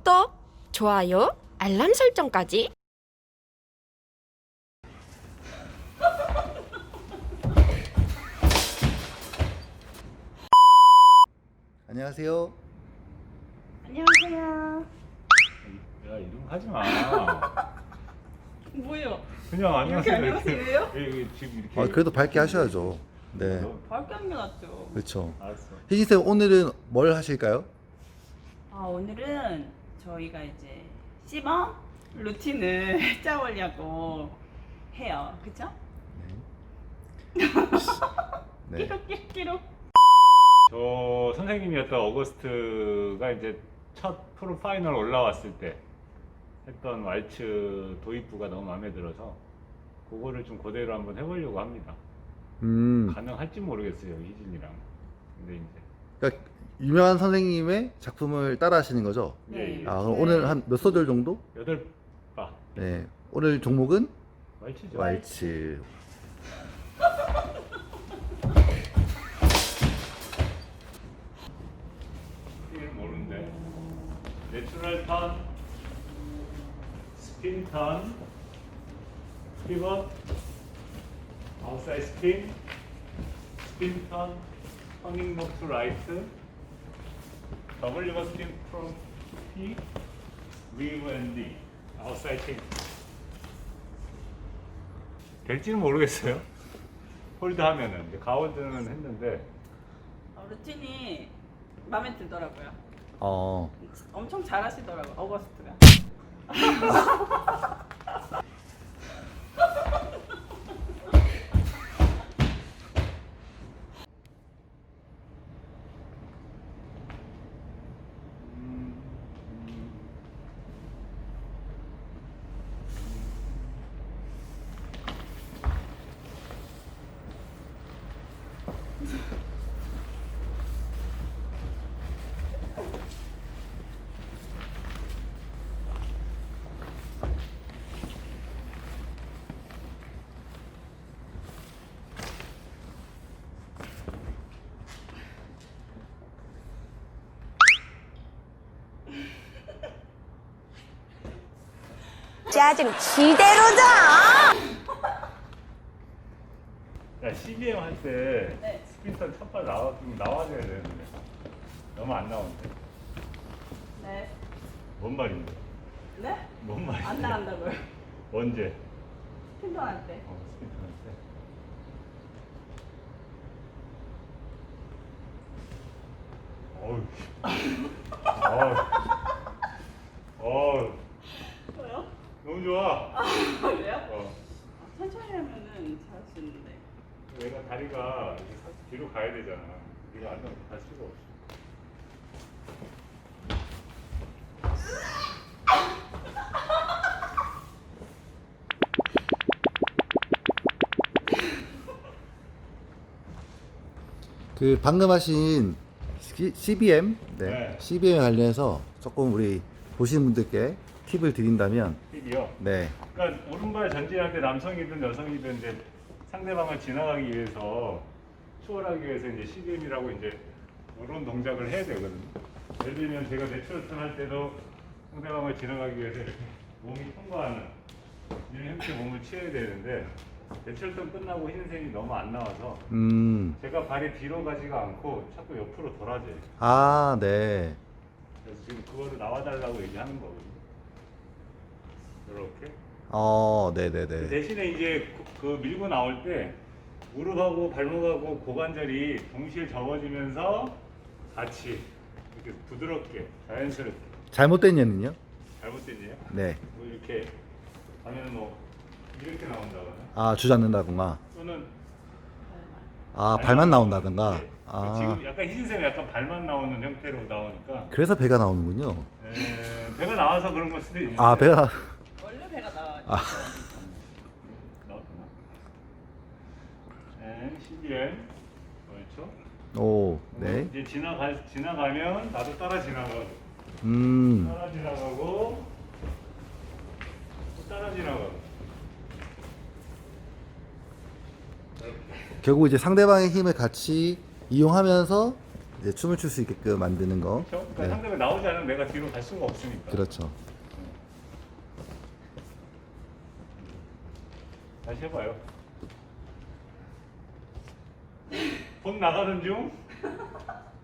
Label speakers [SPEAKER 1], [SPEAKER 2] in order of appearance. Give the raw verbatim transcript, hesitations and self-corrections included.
[SPEAKER 1] 구독, 좋아요, 알람 설정까지.
[SPEAKER 2] 안녕하세요.
[SPEAKER 3] 안녕하세요.
[SPEAKER 4] 야, 이름 하지 마.
[SPEAKER 3] 뭐예요?
[SPEAKER 4] 그냥
[SPEAKER 3] 이렇게
[SPEAKER 4] 안녕하세요.
[SPEAKER 3] 안녕하세요?
[SPEAKER 4] 예, 예, 지금 이렇게.
[SPEAKER 2] 아, 그래도 밝게 하셔야죠. 네,
[SPEAKER 3] 밝게 하는 게 낫죠.
[SPEAKER 2] 그렇죠.
[SPEAKER 4] 알았어.
[SPEAKER 2] 희진 쌤 오늘은 뭘 하실까요?
[SPEAKER 3] 아, 오늘은 저희가 이제 시범 루틴을 짜보려고 해요. 그쵸?
[SPEAKER 2] 네.
[SPEAKER 3] 끼룩끼룩끼룩.
[SPEAKER 4] 저 선생님이었던 어거스트가 이제 첫 프로 파이널 올라왔을 때 했던 왈츠 도입부가 너무 마음에 들어서 그거를 좀 그대로 한번 해보려고 합니다.
[SPEAKER 2] 음,
[SPEAKER 4] 가능할지 모르겠어요, 희진이랑. 근데 이제
[SPEAKER 2] 그러니까 유명한 선생님의 작품을 따라하시는 거죠?
[SPEAKER 3] 네.
[SPEAKER 2] 아, 그럼 오늘 한 몇 소절 정도?
[SPEAKER 4] 여덟 바
[SPEAKER 2] 네. 오늘 종목은
[SPEAKER 4] 왈츠죠.
[SPEAKER 2] 왈츠.
[SPEAKER 4] 이름 모르는데. 내추럴 턴, 스핀 턴, 피벗, 아웃사이드 스핀, 스핀 턴, 터닝 노 투 라이트, 더블 리버 스핀 프롬 P, 리브 앤 D, 아웃사이드 팅. 될지는 모르겠어요. 홀드 하면은 이제 가운데는 했는데
[SPEAKER 3] 어, 루틴이 마음에 들더라고요.
[SPEAKER 2] 어,
[SPEAKER 3] 엄청 잘하시더라고요. 어거스트가.
[SPEAKER 1] 짜증 지대로다.
[SPEAKER 4] 야, 씨비엠 할 때
[SPEAKER 3] 네.
[SPEAKER 4] 스핀턴 첫발 나와, 좀 나와줘야 되는데 너무 안 나오는데.
[SPEAKER 3] 네.
[SPEAKER 4] 뭔 말인데?
[SPEAKER 3] 네?
[SPEAKER 4] 뭔 말인데?
[SPEAKER 3] 안 나간다고요.
[SPEAKER 4] 언제?
[SPEAKER 3] 핀턴할 때.
[SPEAKER 4] 어, 스핀턴 할 때. 어우. 어우. 어우.
[SPEAKER 3] 뭐요?
[SPEAKER 4] 너무 좋아.
[SPEAKER 3] 아, 그래요?
[SPEAKER 4] 어.
[SPEAKER 3] 아, 천천히 하면은 잘할 수 있는데.
[SPEAKER 4] 내가 다리가 이렇게 사- 뒤로 가야 되잖아. 이거 안 나오면 갈 수가 없어.
[SPEAKER 2] 그 방금 하신 씨비엠, 네,
[SPEAKER 4] 네.
[SPEAKER 2] 씨비엠에 관련해서 조금 우리 보시는 분들께 팁을 드린다면,
[SPEAKER 4] 힙이요.
[SPEAKER 2] 네,
[SPEAKER 4] 그러니까 오른발 전진할 때 남성이든 여성이든 이제 상대방을 지나가기 위해서 추월하기 위해서 이제 씨비엠이라고 이제 이런 동작을 해야 되거든요. 예를 들면 제가 내추럴턴 할 때도 상대방을 지나가기 위해서 이렇게 몸이 통과하는 이런 형태의 몸을 취해야 되는데 내추럴턴 끝나고 흰색이 너무 안 나와서
[SPEAKER 2] 음,
[SPEAKER 4] 제가 발이 뒤로 가지가 않고 자꾸 옆으로 돌아져요.
[SPEAKER 2] 아, 네,
[SPEAKER 4] 그래서 지금 그거를 나와달라고 얘기하는 거거든요. 이렇게.
[SPEAKER 2] 어, 네, 네, 네.
[SPEAKER 4] 대신에 이제 그, 그 밀고 나올 때 무릎하고 발목하고 고관절이 동시에 접어지면서 같이 이렇게 부드럽게 자연스럽게.
[SPEAKER 2] 잘못된 예는요?
[SPEAKER 4] 잘못된 예요?
[SPEAKER 2] 네,
[SPEAKER 4] 뭐 이렇게 하면 뭐 이렇게 나온다거나
[SPEAKER 2] 아, 주잡는다거나,
[SPEAKER 4] 또는
[SPEAKER 2] 아, 발만 나온다든가,
[SPEAKER 4] 네.
[SPEAKER 2] 아,
[SPEAKER 4] 지금 약간 희진쌤이 약간 발만 나오는 형태로 나오니까
[SPEAKER 2] 그래서 배가 나오는군요.
[SPEAKER 4] 에, 배가 나와서 그런 걸 수도 있는데
[SPEAKER 2] 아, 배가, 나-
[SPEAKER 3] 원래 배가 나와요.
[SPEAKER 2] 아.
[SPEAKER 4] 나왔구나. 네, 씨비엠 그렇죠.
[SPEAKER 2] 오, 네,
[SPEAKER 4] 이제 지나가 지나가면 나도 따라 지나가고
[SPEAKER 2] 음,
[SPEAKER 4] 따라 지나가고 또 따라 지나가고.
[SPEAKER 2] 결국 이제 상대방의 힘을 같이 이용하면서 이제 춤을 출 수 있게끔 만드는 거.
[SPEAKER 4] 그렇죠? 그러니까
[SPEAKER 2] 네.
[SPEAKER 4] 상대방이 나오지 않으면 내가 뒤로 갈 수가 없으니까.
[SPEAKER 2] 그렇죠.
[SPEAKER 4] 다시 해봐요. 돈 나가는 중?